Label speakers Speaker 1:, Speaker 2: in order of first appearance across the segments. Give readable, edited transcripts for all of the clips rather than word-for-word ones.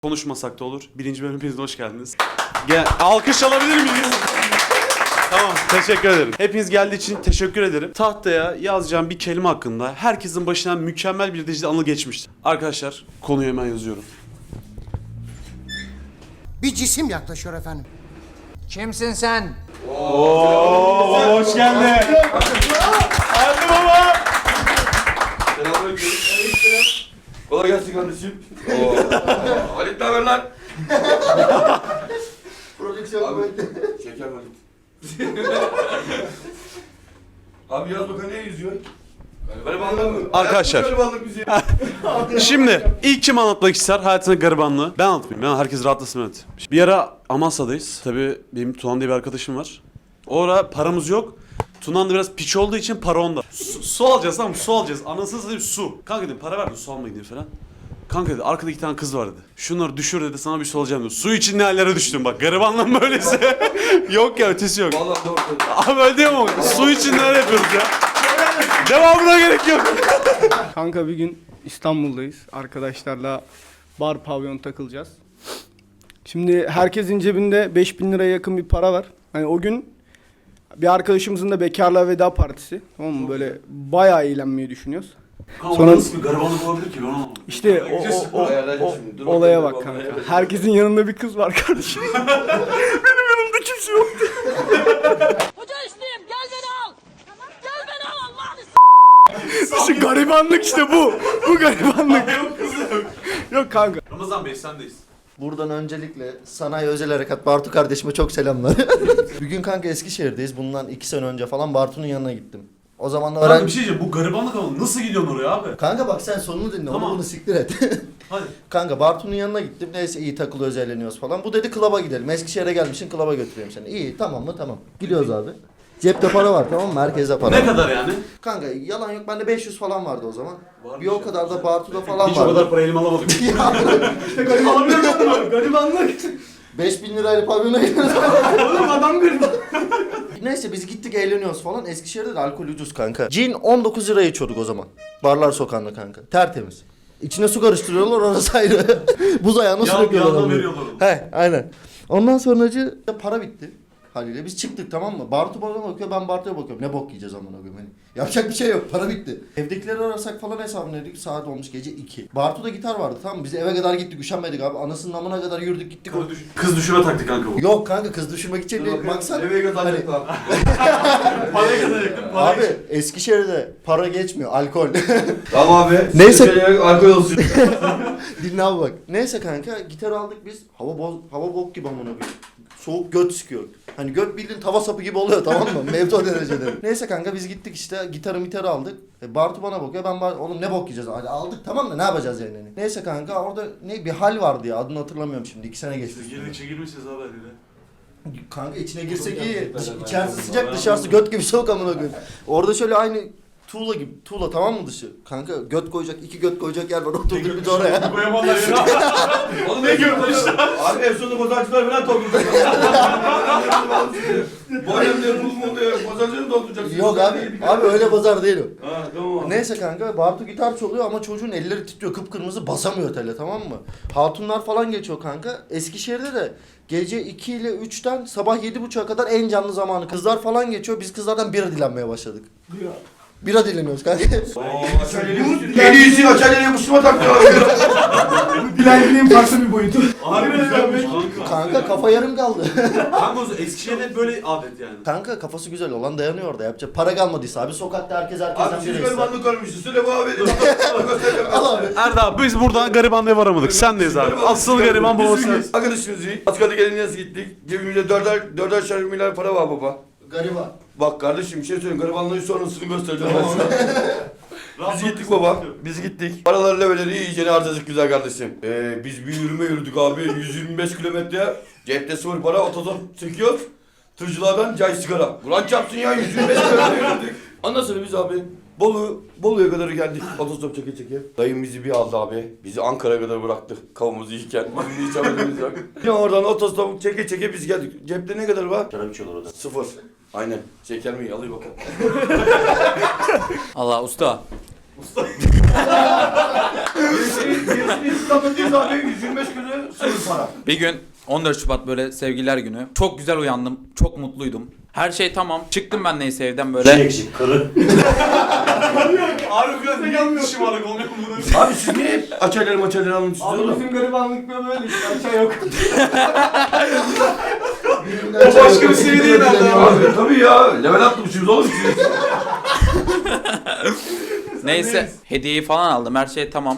Speaker 1: Konuşmasak da olur. Birinci bölüm hepiniz hoş geldiniz. Alkış alabilir miyiz? Tamam, teşekkür ederim. Hepiniz geldiği için teşekkür ederim. Tahtaya yazacağım bir kelime hakkında herkesin başından mükemmel bir dijital anı geçmişti. Arkadaşlar, konuyu hemen yazıyorum.
Speaker 2: Bir cisim yaklaşıyor efendim.
Speaker 3: Kimsin sen?
Speaker 1: Oo, hoş geldin. Hadi baba.
Speaker 4: Selamünaleyküm. Kolay gelsin kardeşim. Halit ne haber lan?
Speaker 2: Prodüksiyon
Speaker 4: Abi, şeker Halit. Abi yaz bakalım ne yüzüyor? Garibanlık mı?
Speaker 1: Arkadaşlar.
Speaker 4: Garibanlık bizi.
Speaker 1: Şimdi ilk kim anlatmak ister hayatının garibanlığı? Ben anlatmayayım. Ben herkes rahatlasın, evet. Bir ara Amasya'dayız. Tabii benim Tunan diye bir arkadaşım var. O ara paramız yok. Tunan da biraz piç olduğu için para onda. Su alacağız, tamam mı? Su alacağız. Anasını satayım su. Kanka dedim para ver de su almaya gideyim falan. Kanka dedi arkada 2 tane kız var dedi. Şunları düşür dedi, sana bir su alacağım dedi. Su için ne hallere düştüm bak. Garibanlığın böylesi. Yok ya, ötesi yok.
Speaker 4: Vallahi doğru söylüyorsun.
Speaker 1: Abi öyle değil mi? Su için neler yapıyoruz ya? Devamına gerek yok.
Speaker 5: Kanka bir gün İstanbul'dayız. Arkadaşlarla bar pavyon takılacağız. Şimdi herkesin cebinde 5.000 liraya yakın bir para var. Hani o gün bir arkadaşımızın da bekarlığa veda partisi. Tamam mı? Böyle bayağı eğlenmeyi düşünüyoruz.
Speaker 1: Sonra nasıl bir garibanlık olabilir ki ben anlamadım.
Speaker 5: İşte
Speaker 4: Ayarlayacağız şimdi. Dur
Speaker 5: olaya
Speaker 4: bakalım,
Speaker 5: bak kanka.
Speaker 4: ayarlayacağız.
Speaker 5: Herkesin yanında bir kız var kardeşim. Benim yanımda kimse yok.
Speaker 6: Hoca isteyeyim, gel beni al. Gel beni al Allah'ını
Speaker 5: İşte garibanlık işte bu. Bu garibanlık.
Speaker 1: Yok kızım.
Speaker 5: Yok kanka.
Speaker 1: Ramazan Bey sendeyiz.
Speaker 7: Buradan öncelikle Sanayi Özel Harekat Bartu kardeşime çok selamlar. Bir gün kanka Eskişehir'deyiz. Bundan 2 sene önce falan Bartu'nun yanına gittim. O zaman da
Speaker 1: Kanka
Speaker 7: öğren...
Speaker 1: bir şey diyeceğim, bu garibanlık ama nasıl gidiyorsun oraya abi?
Speaker 7: Kanka bak sen sonunu dinle,
Speaker 1: Tamam.
Speaker 7: onu bunu siktir et.
Speaker 1: Hadi.
Speaker 7: Kanka Bartu'nun yanına gittim. Neyse iyi takılıyoruz, eğleniyoruz falan. Bu dedi klaba gidelim. Eskişehir'e gelmişsin, klaba götüreyim seni. İyi tamam mı? Tamam. Gidiyoruz abi. Cepte para var tamam mı? Herkeste para
Speaker 1: Ne
Speaker 7: var.
Speaker 1: kadar yani?
Speaker 7: Kanka yalan yok, bende 500 falan vardı o zaman.
Speaker 1: Varmış
Speaker 7: Bir o
Speaker 1: ya.
Speaker 7: kadar da Bartu'da falan
Speaker 1: Hiç o
Speaker 7: vardı.
Speaker 1: kadar para elime alamadım. İşte garibanlık. Garibanlık.
Speaker 7: 5000 lirayla pavyona gidiyoruz.
Speaker 1: Oğlum adam gariban.
Speaker 7: Neyse biz gittik eğleniyoruz falan. Eskişehir'de de alkol ucuz kanka. Cin 19 liraya içiyorduk o zaman. Barlar sokağında kanka. Tertemiz. İçine su karıştırıyorlar, orası ayrı. Buz ayağına su döküyorlar.
Speaker 1: yandan
Speaker 7: abi.
Speaker 1: veriyorlar onu.
Speaker 7: He aynen. Ondan sonracı para bitti. Haliyle biz çıktık tamam mı? Bartu bana bakıyor, ben Bartu'ya bakıyorum. Ne bok yiyeceğiz amına koyayım hani. Yapacak bir şey yok, para bitti. Evdekileri arasak falan hesabını saat olmuş gece 2. Bartu'da gitar vardı tamam mı? Biz eve kadar gittik, üşenmedik abi. Anasının amına kadar yürüdük gittik.
Speaker 1: Kız düşürme taktik kanka bu.
Speaker 7: Yok kanka kız düşürmek için değil. Maksat
Speaker 4: Eve kazanacak lan.
Speaker 1: Parayı kazanacaktım.
Speaker 7: abi Eskişehir'de para geçmiyor, alkol.
Speaker 4: Tamam abi.
Speaker 7: Neyse.
Speaker 4: Neyse. Alkol olsun.
Speaker 7: Dinle abi bak. Neyse kanka gitar aldık biz. Hava bok gibi amına koyayım. Soğuk göt sıkıyor. Hani göt bildiğin tava sapı gibi oluyor tamam mı? Mevzu o derecede. Neyse kanka biz gittik işte gitarı aldık. Bartu bana bakıyor oğlum ne bok yiyeceğiz? Hadi aldık tamam da ne yapacağız yani? Neyse kanka orada ne bir hal vardı ya adını hatırlamıyorum şimdi 2 sene geçti.
Speaker 1: Girdikçe girmişiz abi hadi.
Speaker 7: Kanka içine girsek iyi. İçerisi sıcak dışarısı göt gibi soğuk amına koyayım. Orada şöyle aynı tuğla gibi. Tuğla tamam mı dışı? Kanka göt koyacak, 2 göt koyacak yer var. Oturduk biz oraya.
Speaker 1: Koyamadılar ya.
Speaker 4: Oğlum ne görmüşler? Abi en sonunda bozancılar falan toplayacak. Boyam diyor, buz mu diyor, bozancıları dolduracak.
Speaker 7: Yok abi öyle pazar değil o.
Speaker 4: Ha tamam.
Speaker 7: Neyse kanka Bartu gitar çalıyor ama çocuğun elleri titriyor kıpkırmızı basamıyor tele tamam mı? Hatunlar falan geçiyor kanka. Eskişehir'de de gece 2 ile 3'ten sabah 7.30'a kadar en canlı zamanı. Kızlar falan geçiyor biz kızlardan bira dilenmeye başladık. Bira dileniyoruz kanka.
Speaker 4: En iyisi açalyeye Müslüman taktılar.
Speaker 5: Dilenciliğin farklı bir boyutu.
Speaker 1: Harbi güzelmiş.
Speaker 7: Kanka kafa yarım kaldı.
Speaker 1: Kanka o zaman Eskişehir'de böyle adet yani.
Speaker 7: Kanka kafası güzel olan dayanıyor orada yapacak. Para kalmadıysa abi sokakta herkes
Speaker 4: Abi
Speaker 7: herkesten
Speaker 4: siz
Speaker 7: bira ister.
Speaker 4: garibanlık görmüşsünüz. Söyle bu abi.
Speaker 7: Al abi.
Speaker 1: Erda abi biz buradan garibanlığa varamadık. Sendeyiz abi. Asıl gariban babası.
Speaker 4: Arkadaşımız iyi. Askerde gelince gittik. Cebimizde dörder şer milyar para var baba.
Speaker 7: Gariban.
Speaker 4: Bak kardeşim bir şey söyleyeyim. Garibanlığın sonrasını göstereceğim ben sana. Biz gittik baba. Biz gittik. Paraları leveleri iyicene harcadık güzel kardeşim. Biz bir yürüdük abi. 125 kilometre. Cepte sıfır para. Otostop çekiyoruz. Tırcılardan cay sigara. Ulan çarpsın ya 125 kilometre yürüdük. Ondan sonra biz abi Bolu'ya kadar geldik. Otostop çeke. Dayım bizi bir aldı abi. Bizi Ankara'ya kadar bıraktı. Kavamızı yiyken. Bizim hiç haberimiz yok. Ya oradan otostop çeke biz geldik. Cepte ne kadar var?
Speaker 7: Şarap içiyorlar orada.
Speaker 4: Sıfır. Aynen. Şeker mi? Alayım bakalım.
Speaker 3: Allah usta.
Speaker 4: Gerisini İstanbul'dayız abi. 125 kilo para.
Speaker 8: Bir gün 14 Şubat böyle sevgililer günü. Çok güzel uyandım. Çok mutluydum. Her şey tamam. Çıktım ben neyse evden böyle.
Speaker 1: Abi biraz ne yanlış şımarık olmuyor mu bunu?
Speaker 4: Abi siz niye hep açayları maçayları anlatıyorsunuz
Speaker 5: Abi
Speaker 4: oğlum?
Speaker 5: bizim garibanlık böyle işte. Aşağı yok.
Speaker 1: O başka bir şey değil herhalde abi.
Speaker 4: Abi tabii ya. Level atmışsınız oğlum siz.
Speaker 8: Neyse hediyeyi falan aldım. Her şey tamam.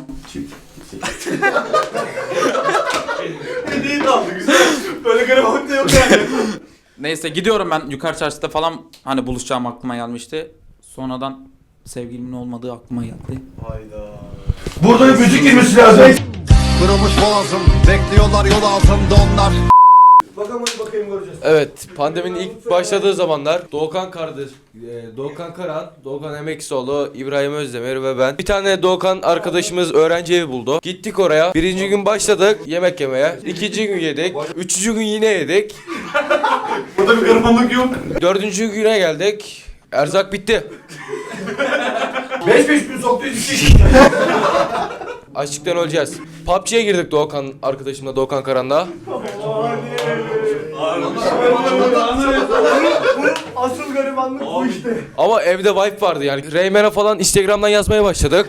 Speaker 1: Hediyeyi de aldı güzel. Böyle garibanlık da yok yani.
Speaker 8: Neyse gidiyorum ben yukarı çarşıda falan hani buluşacağım aklıma gelmişti. Sonradan sevgilimin olmadığı aklıma geldi.
Speaker 1: Hayda.
Speaker 4: Burada bir müzik girmesi lazım.
Speaker 9: Kırılmış boğazım, bekliyorlar yol altında onlar.
Speaker 4: Bakalım hadi bakayım göreceğiz.
Speaker 10: Evet, pandeminin ilk başladığı zamanlar Doğukan kardeş, Doğukan Karan, Doğukan Emeksoğlu, İbrahim Özdemir ve ben. Bir tane Doğukan arkadaşımız öğrenci evi buldu. Gittik oraya. Birinci gün başladık yemek yemeye. İkinci gün yedik. Üçüncü gün yine yedik.
Speaker 1: Burada bir garibanlık yok.
Speaker 10: Dördüncü güne geldik. Erzak bitti.
Speaker 4: 5 gün soktuyuz iki.
Speaker 10: Açlıktan öleceğiz. PUBG'ye girdik Doğukan arkadaşımla, Doğukan Karan'la.
Speaker 5: Asıl garibanlık bu işte.
Speaker 10: Ama evde wife vardı yani. Reymen'e falan Instagram'dan yazmaya başladık.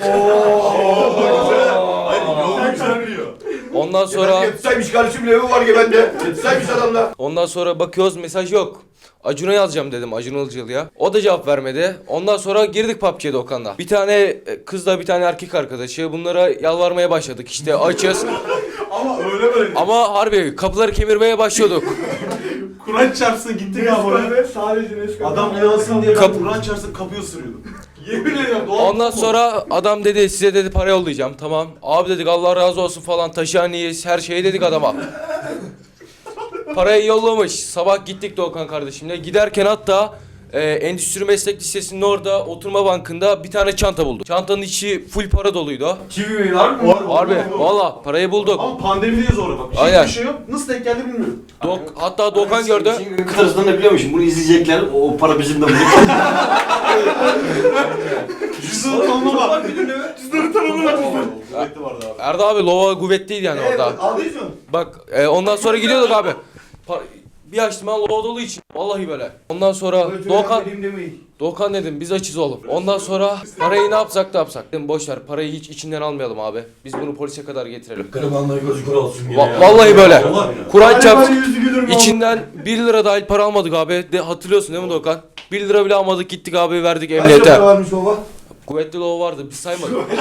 Speaker 10: Ondan sonra...
Speaker 4: Yetsaymış kardeşimin evi var ki bende. Yetsaymış adamla.
Speaker 10: Ondan sonra bakıyoruz mesaj yok. Acun'a yazacağım dedim, Acun Ilıcalı'ya. O da cevap vermedi. Ondan sonra girdik PUBG'ye Doğukan'la. Bir tane kızla bir tane erkek arkadaşı. Bunlara yalvarmaya başladık. İşte açız.
Speaker 1: Ama öyle böyle.
Speaker 10: Ama harbi kapıları kemirmeye başlıyorduk.
Speaker 1: Kur'an çarpsın gittik abi oraya.
Speaker 5: Nescafe sadece Nescafe.
Speaker 1: Adam inansın diye ben
Speaker 10: Kap-
Speaker 1: Kur'an çarpsın kapıyı ısırıyordum. Yemin ediyorum doğal.
Speaker 10: Ondan sonra adam dedi size dedi para yollayacağım. Tamam. Abi dedik Allah razı olsun falan taşıhaneyiz her şeyi dedik adama. Parayı yollamış. Sabah gittik Doğukan kardeşimle. Giderken hatta Endüstri Meslek Lisesi'nin orada oturma bankında bir tane çanta bulduk. Çantanın içi full para doluydu.
Speaker 4: Kivi mi var mı?
Speaker 10: Harbi valla parayı bulduk.
Speaker 1: Ama pandemideyiz orada bak.
Speaker 10: Aynen.
Speaker 1: Bir şey yok. Nasıl denk geldi bilmiyorum.
Speaker 10: Hatta Doğukan gördü.
Speaker 11: Kıtasından da biliyormuşum. Bunu izleyecekler. O para bizim de bulacak.
Speaker 1: Cüzdanı tanımlama. Cüzdanı tanımlama. Kuvvetli vardı abi.
Speaker 10: Erda abi lova kuvvetliydi yani orada.
Speaker 4: Aldıyız mı?
Speaker 10: Bak ondan sonra gidiyorduk abi. Bir açtım ben lova dolu için. Vallahi böyle. Ondan sonra Doğukan dedim biz açız oğlum. Ondan sonra parayı ne yapsak da yapsak. Dedim boş ver parayı hiç içinden almayalım abi. Biz bunu polise kadar getirelim.
Speaker 4: Garibanlığı gözü kör olsun ya.
Speaker 10: Vallahi böyle. Kur'an çarpsın.
Speaker 5: yüzü gülür mü?
Speaker 10: İçinden 1 lira dahil para almadık abi. Hatırlıyorsun değil mi Doğukan? 1 lira bile almadık gittik abi verdik
Speaker 4: Kaç
Speaker 10: emniyete.
Speaker 4: para varmış baba?
Speaker 10: Kuvvetli lova vardı biz saymadık.
Speaker 1: Abi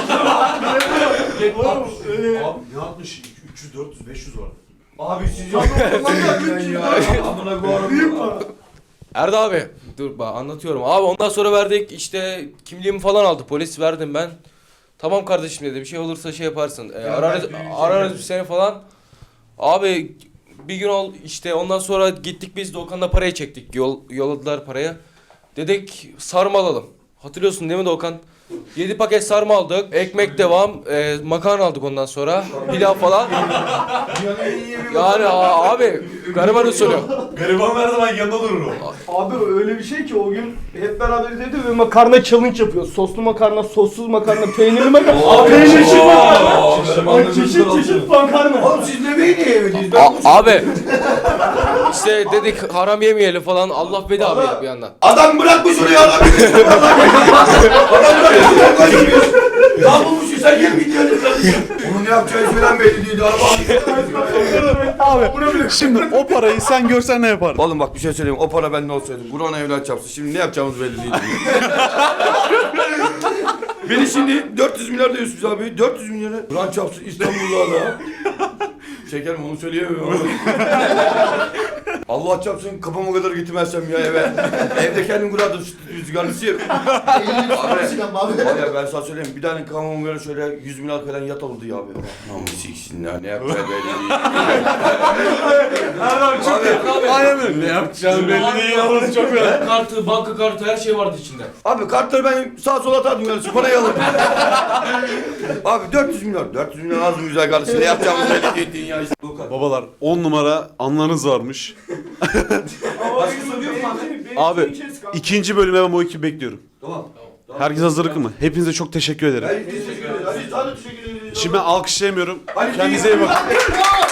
Speaker 1: ne yapmış? 300, 400, 500 vardı.
Speaker 4: Abi siz yapmadınız ya. Amına koyarım.
Speaker 10: Erda abi dur bak anlatıyorum. Abi ondan sonra verdik işte kimliğimi falan aldı polis verdim ben. Tamam kardeşim dedi bir şey olursa şey yaparsın. Ararız bir seni falan. Abi bir gün işte ondan sonra gittik biz Doğukan'la parayı çektik. Yolladılar parayı. Dedik sarma alalım. Hatırlıyorsun değil mi Doğukan? 7 paket sarma aldık. Ekmek devam. Makarna aldık ondan sonra. Pilav falan. Yani abi gariban usulü.
Speaker 1: Gariban her zaman yanında durur o.
Speaker 5: Abi öyle bir şey ki o gün hep beraber dedi ve makarna challenge yapıyoruz. Soslu makarna, sossuz makarna, peynirli makarna. Abi peynirli makarna. Çeşit makarna.
Speaker 4: Oğlum siz yemeği niye yemediniz?
Speaker 10: Abi işte dedik haram yemeyelim falan. Allah bedava yedik bir yandan.
Speaker 4: Adam bırakmış oraya adam. Adam bırakmış sen kaçırıyorsun. Ne bulmuşsun sen yem gidiyorsun kardeşim. Onun ne yapacağı falan belli değildi.
Speaker 1: Abi şimdi o parayı sen görsen ne yapardın?
Speaker 4: Oğlum bak bir şey söyleyeyim. O para bende olsaydı. Kur'an evlat çarpsın. Şimdi ne yapacağımız belli değil. Beni şimdi 400 milyar diyorsunuz abi. 400 milyara. Kur'an çarpsın İstanbul'da da. Şekerim onu söyleyemiyorum. Allah çarpsın kafama kadar getirmezsem ya eve. Evde kendim kurardım rüzgarlısıyım. Abi ya ben sana söyleyeyim bir tane kafama göre şöyle 100 milyar falan yat oldu ya abi. Namus siksinler ne yapacağı belli değil.
Speaker 1: Aynen öyle. Ne yapacağını belli değil. Orası çok önemli.
Speaker 10: Kartı, banka kartı her şey vardı içinde.
Speaker 4: Abi kartları ben sağa sola atardım yani parayı alıp. Abi 400 milyon. 400 milyon az mı güzel kardeşim ne yapacağımız belli değil dünya işte.
Speaker 1: Babalar 10 numara anlarınız varmış. Abi ikinci bölüme ben bu ekibi bekliyorum.
Speaker 4: Tamam.
Speaker 1: Herkes hazırlıklı mı? Hepinize çok teşekkür ederim.
Speaker 4: Teşekkür ederiz. Hadi teşekkür ederiz.
Speaker 1: Şimdi ben alkışlayamıyorum.
Speaker 4: Hadi
Speaker 1: Kendinize iyi bakın.